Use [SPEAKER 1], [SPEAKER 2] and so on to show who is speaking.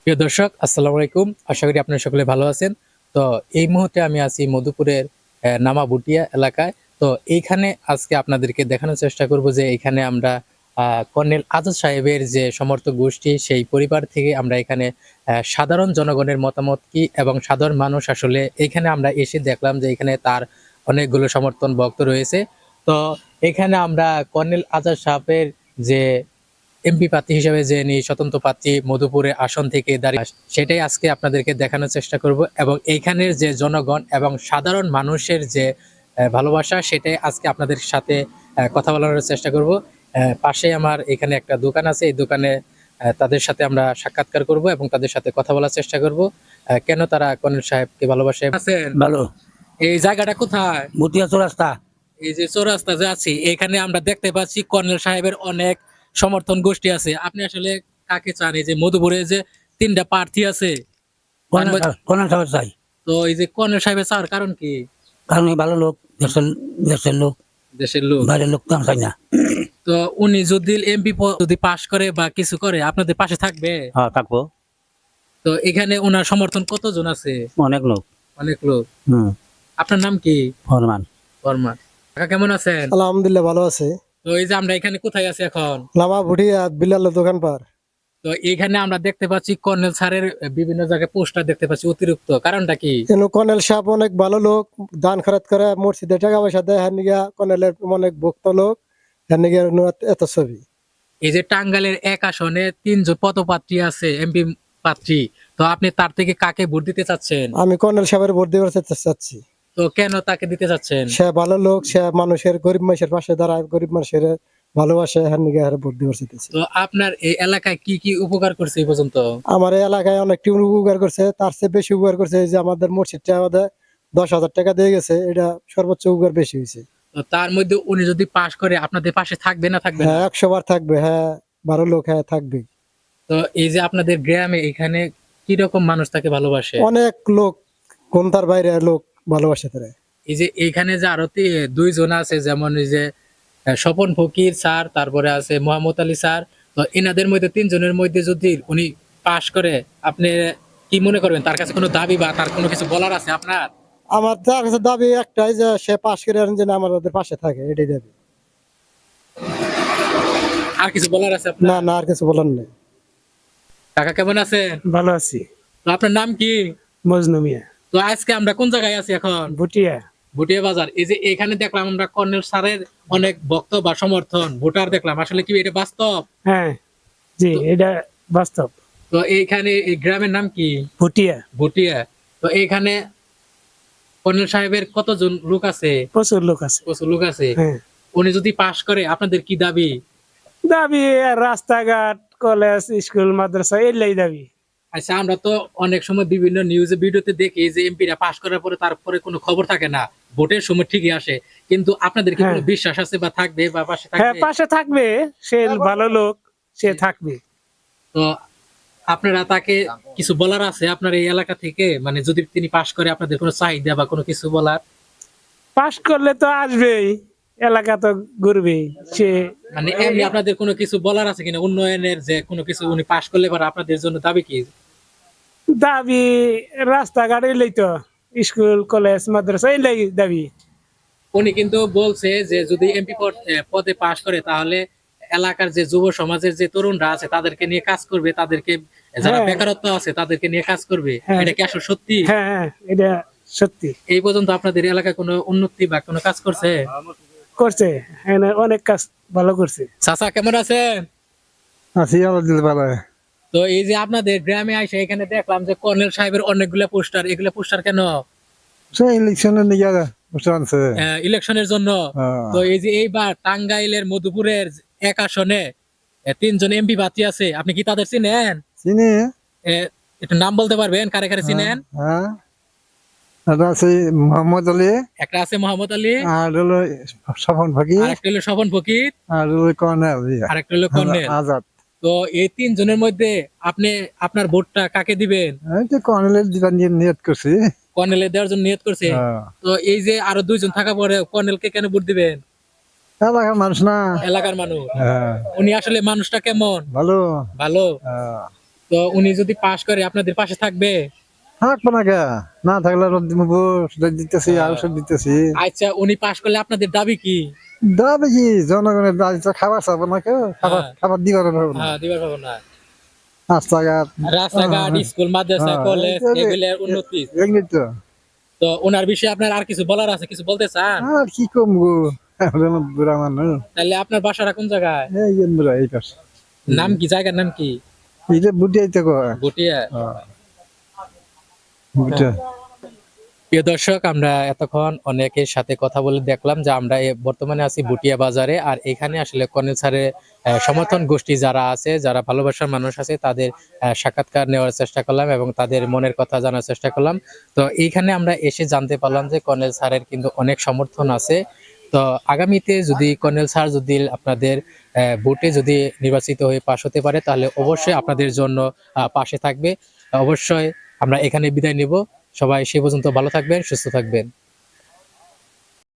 [SPEAKER 1] প্রিয় দর্শক, আসসালামু আলাইকুম। আশা করি আপনারা সকলে ভালো আছেন। তো এই মুহূর্তে আমি আছি মধুপুরের নামাবুটিয়া এলাকায়। তো এইখানে আজকে আপনাদেরকে দেখানোর চেষ্টা করব যে এইখানে আমরা কর্নেল আজাদ সাহেবের যে সমর্থক গোষ্ঠী সেই পরিবার থেকে আমরা এখানে সাধারণ জনগণের মতামত কি এবং সাধারণ মানুষ আসলে এইখানে আমরা এসে দেখলাম যে এখানে তার অনেকগুলো সমর্থন ভক্ত রয়েছে। তো এখানে আমরা কর্নেল আজাদ সাহেবের যে এমপি প্রার্থী হিসেবে যে স্বতন্ত্র প্রার্থী মধুপুরের আসন থেকে দাঁড়িয়ে সেটাই আজকে আপনাদেরকে দেখানোর চেষ্টা করব এবং এইখানের যে জনগণ এবং সাধারণ মানুষের যে ভালোবাসা সেটাই আজকে আপনাদের সাথে কথা বলার চেষ্টা করব। পাশে আমার এখানে একটা দোকান আছে, এই দোকানে তাদের সাথে আমরা সাক্ষাৎকার করব এবং তাদের সাথে কথা বলার চেষ্টা করব কেন তারা কর্নেল সাহেবকে ভালোবাসে। আছেন
[SPEAKER 2] ভালো।
[SPEAKER 1] এই জায়গাটা কোথায়?
[SPEAKER 2] মতিয়া চৌরাস্তা।
[SPEAKER 1] এই যে চৌরাস্তা যে আছি এখানে আমরা দেখতে পাচ্ছি কর্নেল সাহেবের অনেক সমর্থন গোষ্ঠী আছে। আপনি আসলে কাকে চান? এই যে মধুপুরে যে তিনটা প্রার্থী আছে
[SPEAKER 2] কোন সাহেব চাই?
[SPEAKER 1] তো এই যে কর্নেল সাহেবের চাওয়ার কারণ কি?
[SPEAKER 2] কারণ এই ভালো লোক, দেশের লোক,
[SPEAKER 1] দেশের লোক।
[SPEAKER 2] বাইরের লোক তো আমি চাই না।
[SPEAKER 1] তো উনি যদি এমপি যদি পাশ করে বা কিছু করে আপনাদের পাশে থাকবে?
[SPEAKER 2] হ্যাঁ, থাকবো।
[SPEAKER 1] তো এখানে ওনার সমর্থন কতজন আছে?
[SPEAKER 2] অনেক লোক।
[SPEAKER 1] অনেক লোক।
[SPEAKER 2] হুম।
[SPEAKER 1] আপনার নাম কি?
[SPEAKER 2] ফরমান।
[SPEAKER 1] বর্মা। কাকা কেমন আছেন?
[SPEAKER 3] আলহামদুলিল্লাহ ভালো আছে।
[SPEAKER 1] তো এই যে আমরা এখানে কোথায় আছি এখন?
[SPEAKER 3] লামা ভুটিয়া বিলালের দোকান পার।
[SPEAKER 1] তো এখানে আমরা দেখতে পাচ্ছি কর্নেল স্যারের বিভিন্ন জায়গায় পোস্টার দেখতে পাচ্ছি অতিরিক্ত, কারণটা কি?
[SPEAKER 3] কেন কর্নেল সাহেব অনেক ভালো লোক, দান খরচ করে, মসজিদে টাকা পয়সা দেয়, হ্যাঁ নিগা কর্নেলের অনেক ভক্ত লোক, হ্যাঁ নিগা এত ছবি।
[SPEAKER 1] এই যে টাঙ্গাইলের এক আসনে তিনজন পদপ্রার্থী আছে, এমপি প্রার্থী। তো আপনি তার থেকে কাকে ভোট দিতে চাচ্ছেন?
[SPEAKER 3] আমি কর্নেল সাহেবের ভোট দেওয়ার চাচ্ছি।
[SPEAKER 1] তো কেন তাকে দিতে চাচ্ছেন?
[SPEAKER 3] সে ভালো লোক, সে মানুষের গরিব মানুষের পাশে দাঁড়ায়, গরিব মানুষের ভালোবাসে, হ্যাঁ নিগা ভোট দেওয়ার চাচ্ছি।
[SPEAKER 1] তো আপনার এই এলাকায় কি কি উপকার করছে এই পর্যন্ত?
[SPEAKER 3] আমার এই এলাকায় অনেকটি উপকার করছে, তার চেয়ে বেশি উপকার করছে যে আমাদের মসজিদটা আমাদের 10,000 টাকা দিয়ে গেছে, এটা সর্বোচ্চ উপকার বেশি হয়েছে।
[SPEAKER 1] তো তার মধ্যে উনি যদি পাশ করে আপনাদের পাশে থাকবে না থাকবে না?
[SPEAKER 3] হ্যাঁ 100 বার থাকবে, হ্যাঁ ভালো লোক, হ্যাঁ থাকবে।
[SPEAKER 1] তো এই যে আপনাদের গ্রামে এখানে কি রকম মানুষ তাকে ভালোবাসে?
[SPEAKER 3] অনেক লোক, কোনটার বাইরে লোক ভালোবাসে তারা।
[SPEAKER 1] এই যে এখানে যে আরো দুইজন আছে, যেমন এই যে স্বপন ফকির স্যার, তারপরে আছে মোহাম্মদ আলী স্যার। তো এনাদের মধ্যে তিনজনের মধ্যে যদি উনি পাশ করে আপনি কি মনে করবেন? তার কাছে কোনো দাবি বা তার কোনো কিছু বলার আছে আপনার?
[SPEAKER 3] আমার তার কাছে দাবি একটাই যে সে পাশ করে যেন আমাদের পাশে থাকে, এটাই দাবি।
[SPEAKER 1] আর কিছু বলার আছে
[SPEAKER 3] না
[SPEAKER 1] আপনার?
[SPEAKER 3] না, আর কিছু বলার নেই।
[SPEAKER 1] কাকা কেমন আছেন?
[SPEAKER 4] ভালো আছি।
[SPEAKER 1] তো আপনার নাম কি?
[SPEAKER 4] মজনু মিয়া।
[SPEAKER 1] তো আজকে আমরা কোন জায়গায় আছি এখন?
[SPEAKER 4] ভুটিয়া।
[SPEAKER 1] ভুটিয়া বাজার। এই যে এখানে দেখলাম আমরা কর্নেল স্যারের অনেক ভক্ত বা সমর্থন ভোটার দেখলাম, আসলে কি এটা বাস্তব?
[SPEAKER 4] হ্যাঁ, জি, এটা বাস্তব।
[SPEAKER 1] তো এইখানে এই গ্রামের নাম কি?
[SPEAKER 4] ভুটিয়া।
[SPEAKER 1] ভুটিয়া। তো এইখানে কর্নেল সাহেবের কতজন লোক আছে?
[SPEAKER 4] প্রচুর লোক আছে।
[SPEAKER 1] প্রচুর লোক আছে।
[SPEAKER 4] হ্যাঁ,
[SPEAKER 1] উনি যদি পাশ করে আপনাদের কি দাবি?
[SPEAKER 4] দাবি আর রাস্তাঘাট, কলেজ, স্কুল, মাদ্রাসা এলাই দাবি।
[SPEAKER 1] আচ্ছা, আমরা তো অনেক সময় বিভিন্ন নিউজে ভিডিওতে দেখি যে এমপিরা পাশ করার পরে তারপরে কোনো খবর থাকে না, ভোটের সময় ঠিকই আসে, কিন্তু আপনাদের কি
[SPEAKER 4] হ্যাঁ।
[SPEAKER 1] কোনো বিশ্বাস আছে বা থাকবে বা পাশে
[SPEAKER 4] হ্যাঁ,
[SPEAKER 1] থাকবে?
[SPEAKER 4] পাশে থাকবে, সে ভালো লোক, সে থাকবে।
[SPEAKER 1] তো আপনারা তাকে কিছু বলার আছে আপনার এই এলাকা থেকে, মানে যদি তিনি পাশ করে আপনাদের কোনো চাহিদা বা কোনো কিছু বলার?
[SPEAKER 4] পাশ করলে তো আসবেই, এলাকা তো ঘুরবে সে।
[SPEAKER 1] মানে এমনি আপনাদের কোনো কিছু বলার আছে কিনা উন্নয়নের, যে কোনো কিছু উনি পাশ করলে পরে আপনাদের জন্য দাবি কি?
[SPEAKER 4] দাবি রাস্তাঘাট এলাই তো, স্কুল, কলেজ, মাদ্রাসা এলাই দাবি।
[SPEAKER 1] উনি কিন্তু বলছে যে যদি এমপি পদে পাশ করে তাহলে এলাকার যে যুব সমাজের যে তরুণরা আছে তাদেরকে নিয়ে কাজ করবে, তাদেরকে যারা
[SPEAKER 4] হ্যাঁ।
[SPEAKER 1] বেকারত্ব আছে তাদেরকে নিয়ে কাজ করবে।
[SPEAKER 4] হ্যাঁ।
[SPEAKER 1] এটা কি আসলে সত্যি?
[SPEAKER 4] হ্যাঁ হ্যাঁ, এটা সত্যি।
[SPEAKER 1] এই পর্যন্ত আপনাদের এলাকায় কোনো উন্নতি বা কোনো কাজ করছে?
[SPEAKER 4] করছে, হ্যাঁ, অনেক কাজ ভালো করছে।
[SPEAKER 1] চাচা কেমন আছেন?
[SPEAKER 3] আছি আলহামদুলিল্লাহ ভালো।
[SPEAKER 1] তো এই যে আপনাদের গ্রামে আইসে এখানে দেখলাম যে কর্নেল সাহেবের অনেকগুলা পোস্টার, এগুলা পোস্টার কেন?
[SPEAKER 3] সেই ইলেকশনের নিয়ে বুঝতে পারছে।
[SPEAKER 1] ইলেকশনের জন্য। তো এই যে এইবার টাঙ্গাইলের মধুপুরের এক আসনে তিনজন এমপি প্রার্থী আছে, আপনি কি তাদের চিনেন?
[SPEAKER 3] চিনি।
[SPEAKER 1] একটু নাম বলতে পারবেন কারে কারে চিনেন?
[SPEAKER 3] হ্যাঁ, এটা আছে মোহাম্মদ আলী,
[SPEAKER 1] একটা আছে মোহাম্মদ আলী,
[SPEAKER 3] আর হলো স্বপন ফকির,
[SPEAKER 1] আর একটা হলো স্বপন ফকির,
[SPEAKER 3] আর হলো কর্নেল
[SPEAKER 1] আর একটা হলো কর্নেল।
[SPEAKER 3] আজাদ।
[SPEAKER 1] তো এই তিনজনের মধ্যে আপনি আপনার ভোটটা কাকে দিবেন?
[SPEAKER 3] এই তো কর্নেলের যেটা নিয়ত করছি।
[SPEAKER 1] কর্নেলে দেওয়ার জন্য নিয়ত করছে। তো এই যে আরো দুইজন থাকা পরে কর্নেলকে কেন ভোট দিবেন?
[SPEAKER 3] এলাকার মানুষ না।
[SPEAKER 1] এলাকার মানুষ।
[SPEAKER 3] হ্যাঁ,
[SPEAKER 1] উনি আসলে মানুষটা কেমন?
[SPEAKER 3] ভালো।
[SPEAKER 1] ভালো।
[SPEAKER 3] হ্যাঁ।
[SPEAKER 1] তো উনি যদি পাশ করে আপনাদের পাশে থাকবে?
[SPEAKER 5] থাকবো না কে, না থাকলে দিতেছি আর ওষুধ দিতেছি।
[SPEAKER 1] আচ্ছা, উনি পাশ করলে আপনাদের দাবি কি?
[SPEAKER 5] দাবি কি, জনগণের দাবি তো খাবার চাবো না কেউ, খাবার
[SPEAKER 1] হ্যাঁ।
[SPEAKER 5] খাবার দিবার পারবো না।
[SPEAKER 1] হ্যাঁ, দিবার পাবো না।
[SPEAKER 5] রাস্তাঘাট
[SPEAKER 1] রাস্তাঘাট, স্কুল, মাদ্রাসা,
[SPEAKER 5] হ্যাঁ,
[SPEAKER 1] কলেজ এগুলোর উন্নতি।
[SPEAKER 5] এগুলি তো।
[SPEAKER 1] তো ওনার বিষয়ে আপনার আর কিছু বলার আছে, কিছু বলতে চান?
[SPEAKER 5] আর কি কমবো, বুড়া মানুষ।
[SPEAKER 1] তাহলে আপনার বাসাটা কোন জায়গায়?
[SPEAKER 5] এই যে বুড়া এই পাশে,
[SPEAKER 1] নাম কি, জায়গার নাম কি?
[SPEAKER 5] এই যে বুটিয়াই তো কয়।
[SPEAKER 1] গটিয়া।
[SPEAKER 5] বুটিয়া।
[SPEAKER 1] প্রিয় দর্শক, আমরা এতক্ষণ অনেকের সাথে কথা বলে দেখলাম যে আমরা বর্তমানে আছি বুটিয়া বাজারে। আর এখানে আসলে কর্নেল স্যারের সমর্থন গোষ্ঠী যারা আছে, যারা ভালোবাসার মানুষ আছে, তাদের সাক্ষাৎকার নেওয়ার চেষ্টা করলাম এবং তাদের মনের কথা জানার চেষ্টা করলাম। তো এইখানে আমরা এসে জানতে পারলাম যে কর্নেল স্যারের কিন্তু অনেক সমর্থন আছে। তো আগামীতে যদি কর্নেল স্যার যদি আপনাদের ভোটে যদি নির্বাচিত হয়ে পাশ হতে পারে, তাহলে অবশ্যই আপনাদের জন্য পাশে থাকবে। অবশ্যই আমরা এখানে বিদায় নিব। সবাই সে পর্যন্ত ভালো থাকবেন, সুস্থ থাকবেন।